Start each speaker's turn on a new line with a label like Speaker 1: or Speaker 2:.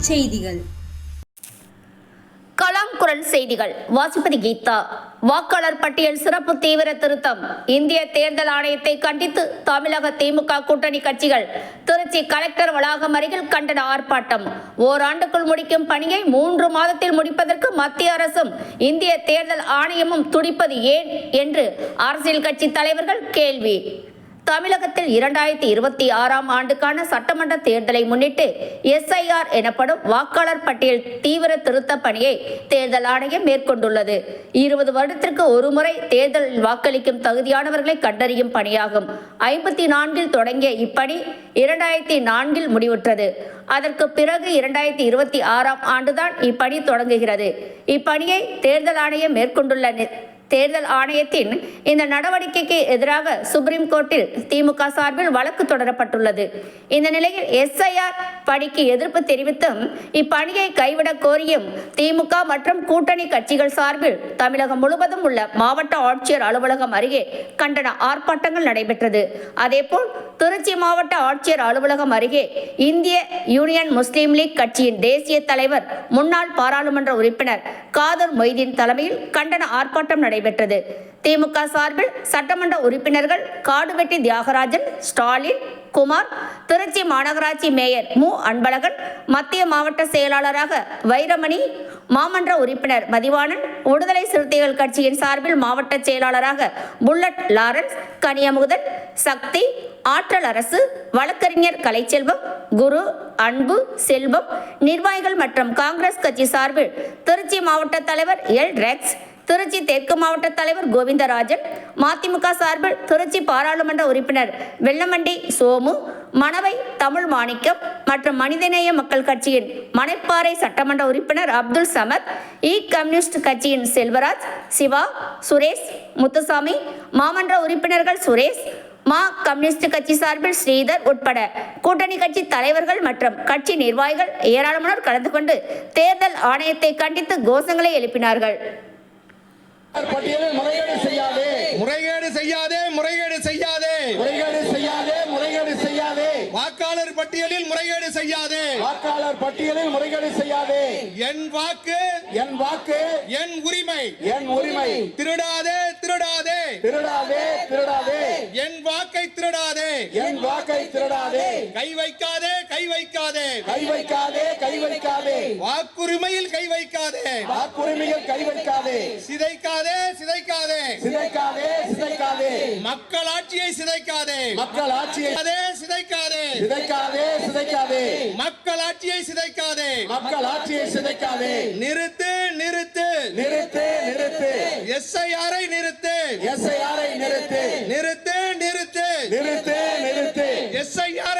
Speaker 1: செய்திகள்.
Speaker 2: கலாம் குரல் செய்திகள் வாசிப்பது கீதா. வாக்காளர் பட்டியல் சிறப்பு தீவிர திருத்தம். இந்திய தேர்தல் ஆணையத்தை கண்டித்து தமிழக திமுக கூட்டணி கட்சிகள் திருச்சி கலெக்டர் வளாகம் அருகில் கண்டன ஆர்ப்பாட்டம். ஓராண்டுக்குள் முடிக்கும் பணியை 3 மாதத்தில் முடிப்பதற்கு மத்திய அரசும் இந்திய தேர்தல் ஆணையமும் துடிப்பது ஏன் என்று அரசியல் கட்சி தலைவர்கள் கேள்வி. தமிழகத்தில் 2026ஆம் ஆண்டுக்கான சட்டமன்ற தேர்தலை முன்னிட்டு SIR எனப்படும் வாக்காளர் பட்டியல் தீவிர திருத்த பணியை தேர்தல் ஆணையம் மேற்கொண்டுள்ளது. 20 வருடத்திற்கு ஒருமுறை தேர்தலில் வாக்களிக்கும் தகுதியானவர்களை கண்டறியும் பணியாகும். 54இல் தொடங்கிய இப்பணி 2004இல் முடிவுற்றது. அதற்கு பிறகு 2026ஆம் ஆண்டுதான் இப்பணி தொடங்குகிறது. இப்பணியை தேர்தல் ஆணையம் மேற்கொண்டுள்ள தேர்தல் ஆணையத்தின் இந்த நடவடிக்கைக்கு எதிராக சுப்ரீம் கோர்ட்டில் திமுக சார்பில் வழக்கு தொடரப்பட்டுள்ளது. இந்த நிலையில் SIR பணிக்கு எதிர்ப்பு தெரிவித்தும் இப்பணியை கைவிடக் கோரியும் திமுக மற்றும் கூட்டணி கட்சிகள் சார்பில் தமிழகம் முழுவதும் உள்ள மாவட்ட ஆட்சியர் அலுவலகம் அருகே கண்டன ஆர்ப்பாட்டங்கள் நடைபெற்றது. அதேபோல் திருச்சி மாவட்ட ஆட்சியர் அலுவலகம் அருகே இந்திய யூனியன் முஸ்லீம் லீக் கட்சியின் தேசிய தலைவர் முன்னாள் பாராளுமன்ற உறுப்பினர் காதர் மொய்தீன் தலைமையில் கண்டன ஆர்ப்பாட்டம் நடைபெற்றது. திமுக சார்பில் சட்டமன்ற உறுப்பினர்கள் காடுவெட்டி தியாகராஜன், ஸ்டாலின், குமார், திருச்சி மாநகராட்சி மேயர் மு. அன்பழகன், மத்திய மாவட்ட செயலாளராக வைரமணி, மாமன்ற உறுப்பினர் மதிவாணன், விடுதலை சிறுத்தைகள் கட்சியின் சார்பில் மாவட்ட செயலாளராக புல்லட் லாரன்ஸ், கனியமுதன், சக்தி, ஆற்றல் அரசு, வழக்கறிஞர் கலைச்செல்வம், குரு, அன்பு, செல்வம், நிர்வாகிகள் மற்றும் காங்கிரஸ் கட்சி சார்பில் திருச்சி மாவட்ட தலைவர் எல். ரெக்ஸ், திருச்சி தெற்கு மாவட்ட தலைவர் கோவிந்தராஜன், மதிமுக சார்பில் திருச்சி பாராளுமன்ற உறுப்பினர் வெள்ளமண்டி சோமு, மணவை தமிழ் மாணிக்கம் மற்றும் மனிதநேய மக்கள் கட்சியின் மணப்பாறை சட்டமன்ற உறுப்பினர் அப்துல் சமத், கம்யூனிஸ்ட் கட்சியின் செல்வராஜ், சிவா, சுரேஷ், முத்துசாமி, மாமன்ற உறுப்பினர்கள் சுரேஷ், கம்யூனிஸ்ட் கட்சி சார்பில் ஸ்ரீதர் உட்பட கூட்டணி கட்சி தலைவர்கள் மற்றும் கட்சி நிர்வாகிகள் ஏராளமானோர் கலந்து கொண்டு தேர்தல் ஆணையத்தை கண்டித்து கோஷங்களை எழுப்பினார்கள்.
Speaker 3: முறைகேடு செய்யாதே, முறைகேடு செய்யாதே, முறைகேடு செய்யாதே, முறைகேடு செய்யாதே, முறைகேடு செய்யாதே, வாக்காளர் பட்டியலில் முறைகேடு செய்யாதே, வாக்காளர் பட்டியலில் முறைகேடு செய்யாதே, என் வாக்கு, என் வாக்கு, என் உரிமை, என் உரிமை, திருடாதே, திருடாதே, திருடாதே, திருடாதே, என் வாக்கை திருடாதே, என் வாக்கை திருடாதே, கை வைக்காதே, கை வைக்காதே, கை வைக்காதே, கை வைக்காதே, வாக்குரிமையில் கை வைக்காதே, வாக்குரிமையில் கை வைக்காதே, சிதைக்காதே, சிதைக்காதே, சிதைக்காதே, சிதைக்காதே, மக்களாட்சியை சிதைக்காதே, மக்களாட்சியை சிதைக்காதே, சிதைக்காதே, சிதைக்காதே, மக்களாட்சியை சிதைக்காதே, மக்களாட்சியை சிதைக்காதே, நிறுத்து, நிறுத்து, நிறுத்து, நிறுத்து, SIR-ஐ நிறுத்து, SIR-ஐ நிறுத்து, நிறுத்து, நிறுத்து, நிறுத்து, நிறுத்து, SIR